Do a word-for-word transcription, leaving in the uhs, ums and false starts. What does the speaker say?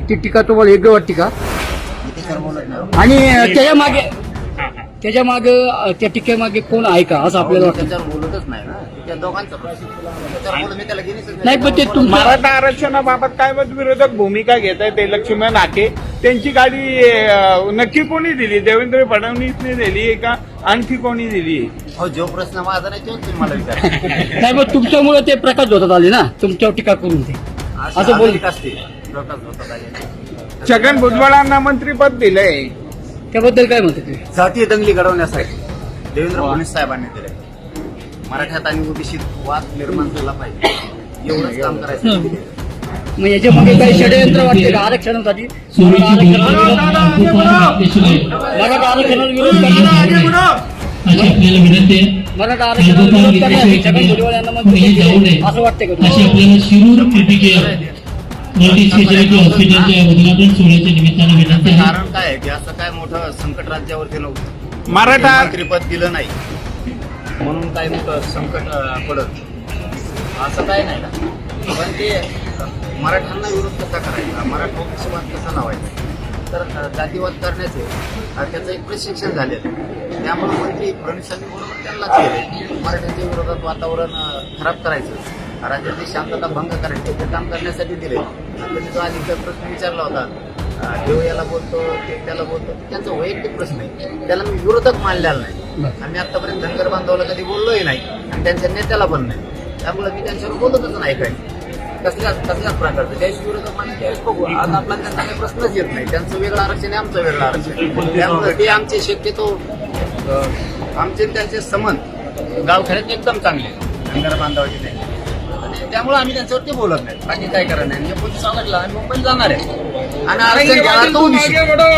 ती टीका तुम्हाला योग्य वाटते का? आणि त्याच्या मागे त्याच्या मागे त्या टीकेमागे कोण आहे का असं आपल्याला वाटतं? त्याच्यावर बोलतच नाही ना, त्या दोघांचं प्रश्न त्याच्यावर बोलून मी त्याला घेणीच नाही. नाही पण ते तुमचं मराठा आरक्षणाबाबत काय मत विरोधक भूमिका घेत आहेत ते लक्ष्मण हाके त्यांची गाडी अं, नक्की कोणी दिली? देवेंद्र फडणवीसने दिली आहे का आणखी कोणी दिली? हो, जो प्रश्न माझा नाही तोच तुम्ही मला विचारा. नाही मग तुमच्यामुळे ते प्रकाश होतात आले ना, तुमच्यावर टीका करून ते असं बोल असते प्रकाश होतात आले. छगन भुजबळांना मंत्रीपद दिलंय, त्याबद्दल काय म्हणते तुम्ही? जातीय दंगली घडवण्यासाठी देवेंद्र फडणवीस साहेबांनी दिले. मराठ्यात आणि ओबीसीत वाद निर्माण झाला पाहिजे एवढंच काम करायचं. मग याच्यामध्ये काही षडयंत्र वाटते का आरक्षणासाठी? मराठा आरक्षणाला विरोध करण्यासाठी आपल्याला विनंती आहे मराठा आरक्षणाला विरोध करण्यासाठी छगन भुजबळ यांना मंत्री केले असं वाटतं का अशी तुम्हाला? आपल्याला शिरूर क्रिटिकल मल्टी स्पेशालिटी हॉस्पिटलच्या उद्घाटन सोहळ्याच्या निमित्तानं विनंती आहे. कारण काय आहे की असं काय मोठं संकट राज्यावरती नव्हतं. मराठा मंत्रीपद दिलं नाही म्हणून काय मोठं संकट अं, पडत असं काय नाही ना. पण ते अं, मराठ्यांना विरोध कसा करायचा, मराठा ओबीसीवाद कसा लावायचा, तर अं, जातीवाद करण्याचे अं, त्याचं एक प्रशिक्षण झालेलं आहे. त्यामुळे मंत्री फडणवीसांनी बरोबर त्यांनाच केले. मराठ्यांच्या विरोधात वातावरण अं, खराब करायचं, राज्यातली शांतता भंग करायची ते काम करण्यासाठी दिले. त्यांनी जो आधी प्रश्न विचारला होता, अं, देव याला बोलतो ते त्याला बोलतो, त्यांचा वैयक्तिक प्रश्न आहे, त्याला मी विरोधक मानलेला नाही. आम्ही आतापर्यंत धनगर बांधवाला कधी बोललोही नाही आणि त्यांच्या नेत्याला पण नाही. त्यामुळे मी त्यांच्यावर बोलतच नाही काही कसल्याच कसल्याच प्रकारचं. ज्यावेळेस विरोधक मानले त्यावेळेस बघू. आज आपला त्यांचा काही प्रश्नच येत नाही. त्यांचं वेगळं आरक्षण आहे, आमचं वेगळं आरक्षण आहे. त्यामुळे ते आमचे शक्यतो अं, आमचे आणि त्यांचे संबंध गावखेड्यात एकदम चांगले आहेत. धनगर बांधवाचे नाही आणि त्यामुळे आम्ही त्यांच्यावरती बोलत नाही. बाकी काय करणार नाही. म्हणजे कोणती सांगितलं आम्ही मुंबईत जाणार आहे आणि आरक्षण घ्यायला तो